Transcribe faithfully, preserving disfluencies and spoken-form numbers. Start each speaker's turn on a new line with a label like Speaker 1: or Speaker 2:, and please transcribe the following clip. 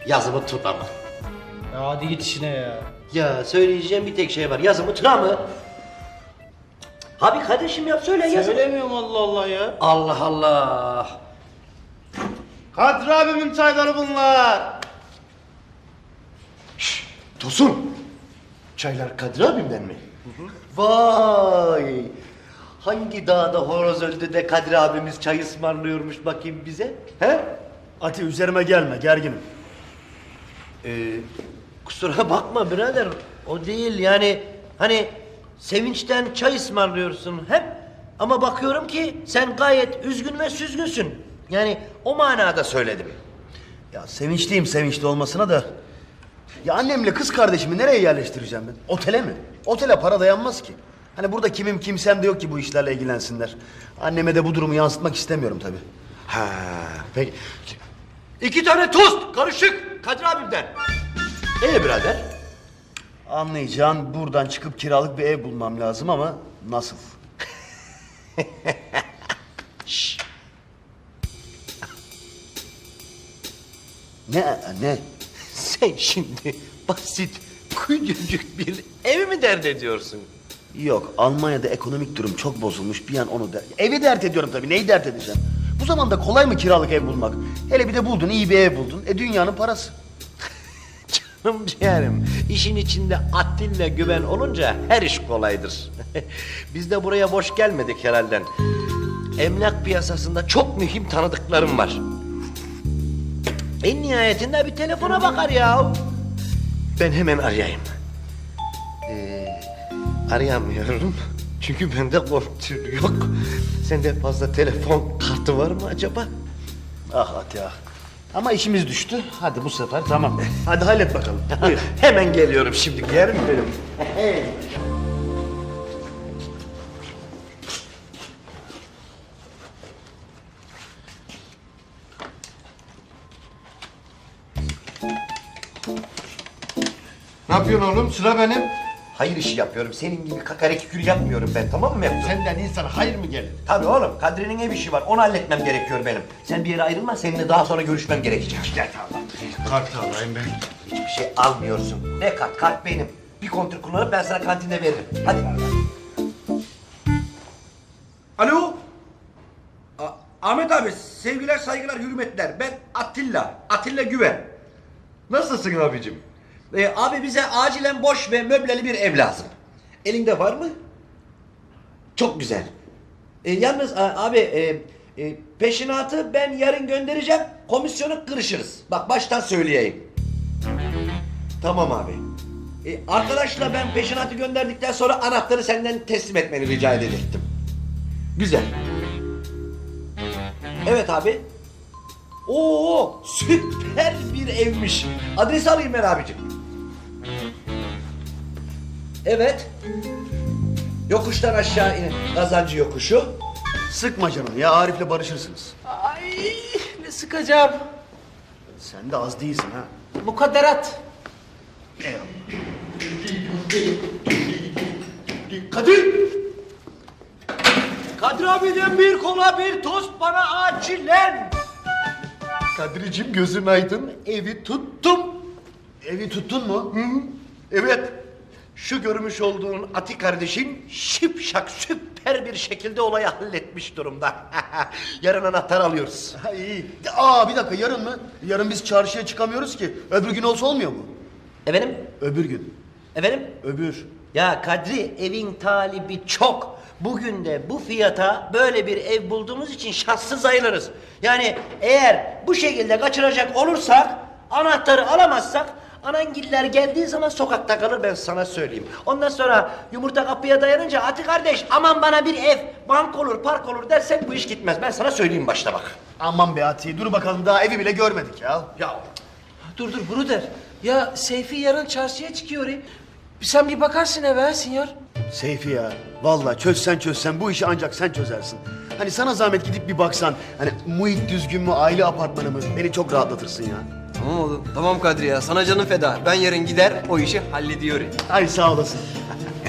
Speaker 1: Yazımı tuna mı?
Speaker 2: Ya hadi git işine ya.
Speaker 1: Ya söyleyeceğim bir tek şey var. Yazımı tuna mı? Abi kardeşim yap söyle yazımı.
Speaker 2: Söylemiyorum Allah Allah ya.
Speaker 1: Allah Allah.
Speaker 3: Kadri abimin çayları bunlar.
Speaker 1: Şşş, Tosun. Çaylar Kadir abimden mi? Vay. Hangi dağda horoz öldü de Kadir abimiz çay ısmarlıyormuş bakayım bize? He?
Speaker 3: Ati üzerime gelme, gerginim.
Speaker 1: Ee, kusura bakma birader. O değil yani hani sevinçten çay ısmarlıyorsun hep. Ama bakıyorum ki sen gayet üzgün ve süzgünsün. Yani o manada söyledim.
Speaker 3: Ya sevinçliyim sevinçli olmasına da. Ya annemle kız kardeşimi nereye yerleştireceğim ben? Otele mi? Otele para dayanmaz ki. Hani burada kimim kimsem de yok ki bu işlerle ilgilensinler. Anneme de bu durumu yansıtmak istemiyorum tabii.
Speaker 1: Ha, peki. İki tane tost karışık Kadir abimden. Ee birader?
Speaker 3: Anlayacağın buradan çıkıp kiralık bir ev bulmam lazım ama nasıl?
Speaker 1: Şşş.
Speaker 3: Ne ne?
Speaker 1: Sen şimdi basit, küçücük bir ev mi dert ediyorsun?
Speaker 3: Yok, Almanya'da ekonomik durum çok bozulmuş. Bir an onu der. Evi dert ediyorum tabii. Neyi dert edeceğim? Bu zamanda kolay mı kiralık ev bulmak? Hele bir de buldun, iyi bir ev buldun. E dünyanın parası.
Speaker 1: Canım ciğerim, işin içinde Atilla güven olunca her iş kolaydır. Biz de buraya boş gelmedik herhalde. Emlak piyasasında çok mühim tanıdıklarım var. En nihayetinde bir telefona bakar ya. Ben hemen arayayım. Ee, arayamıyorum. Çünkü bende kontür yok. Sende fazla telefon kartı var mı acaba?
Speaker 3: Ah Ati ah. Ama işimiz düştü. Hadi bu sefer tamam. Hadi hallet bakalım. Buyur.
Speaker 1: Hemen geliyorum şimdi yerim benim.
Speaker 4: Ne yapıyorsun oğlum? Sıra benim.
Speaker 1: Hayır işi yapıyorum. Senin gibi kakareki kül yapmıyorum ben, tamam mı Mevzu?
Speaker 4: Senden insana hayır mı gelir?
Speaker 1: Tabii oğlum, Kadri'nin ev işi var. Onu halletmem gerekiyor benim. Sen bir yere ayrılma, seninle daha sonra görüşmem gerekecek.
Speaker 4: Gel tamam. Kart alayım ben.
Speaker 1: Hiçbir şey almıyorsun. Ne kart? Kart benim. Bir kontür kullanıp ben sana kantinde veririm. Hadi. Alo. A- Ahmet abi, sevgiler, saygılar, hürmetler. Ben Atilla. Atilla Güven.
Speaker 4: Nasılsın abicim?
Speaker 1: Ee, abi bize acilen boş ve möbleli bir ev lazım. Elinde var mı? Çok güzel. Ee, yalnız a- abi e, e, peşinatı ben yarın göndereceğim. Komisyonu kırışırız. Bak baştan söyleyeyim. Tamam abi. Ee, arkadaşla ben peşinatı gönderdikten sonra anahtarı senden teslim etmeni rica edecektim. Güzel. Evet abi. Oo, süper bir evmiş. Adresi alayım ben abicim. Evet. Yokuştan aşağı in. Kazancı yokuşu.
Speaker 3: Sıkma canını ya, Arif'le barışırsınız.
Speaker 2: Ay ne sıkacağım.
Speaker 3: Sen de az değilsin ha.
Speaker 2: Mukadderat.
Speaker 1: Kadir! Kadir abiden bir kola bir tost bana acilen.
Speaker 4: Kadricim gözün aydın. Evi tuttum.
Speaker 3: Evi tuttun mu?
Speaker 1: Hı? Evet. Şu görmüş olduğun Ati kardeşin şipşak süper bir şekilde olayı halletmiş durumda. Yarın anahtar alıyoruz.
Speaker 3: Ha iyi. Aa bir dakika, yarın mı? Yarın biz çarşıya çıkamıyoruz ki. Öbür gün olsa olmuyor mu?
Speaker 1: Efendim?
Speaker 3: Öbür gün.
Speaker 1: Efendim?
Speaker 3: Öbür.
Speaker 1: Ya Kadri, evin talibi çok. Bugün de bu fiyata böyle bir ev bulduğumuz için şanssız sayılırız. Yani eğer bu şekilde kaçıracak olursak, anahtarı alamazsak, anangiller geldiği zaman sokakta kalır, ben sana söyleyeyim. Ondan sonra yumurta kapıya dayanınca Ati kardeş aman bana bir ev, bank olur, park olur dersek bu iş gitmez. Ben sana söyleyeyim başta bak.
Speaker 3: Aman be Ati, dur bakalım, daha evi bile görmedik ya.
Speaker 1: Ya
Speaker 2: Dur dur Bruder. Ya Seyfi yarın çarşıya çıkıyor. e. Sen bir bakarsın eve ha sinyor.
Speaker 3: Seyfi ya, vallahi çözsen çözsen bu işi ancak sen çözersin. Hani sana zahmet gidip bir baksan, hani muhit düzgün mü, aile apartmanı mı, beni çok rahatlatırsın ya.
Speaker 5: Tamam oğlum. Tamam Kadri ya. Sana canım feda. Ben yarın gider o işi hallediyorum.
Speaker 3: Ay sağ olasın.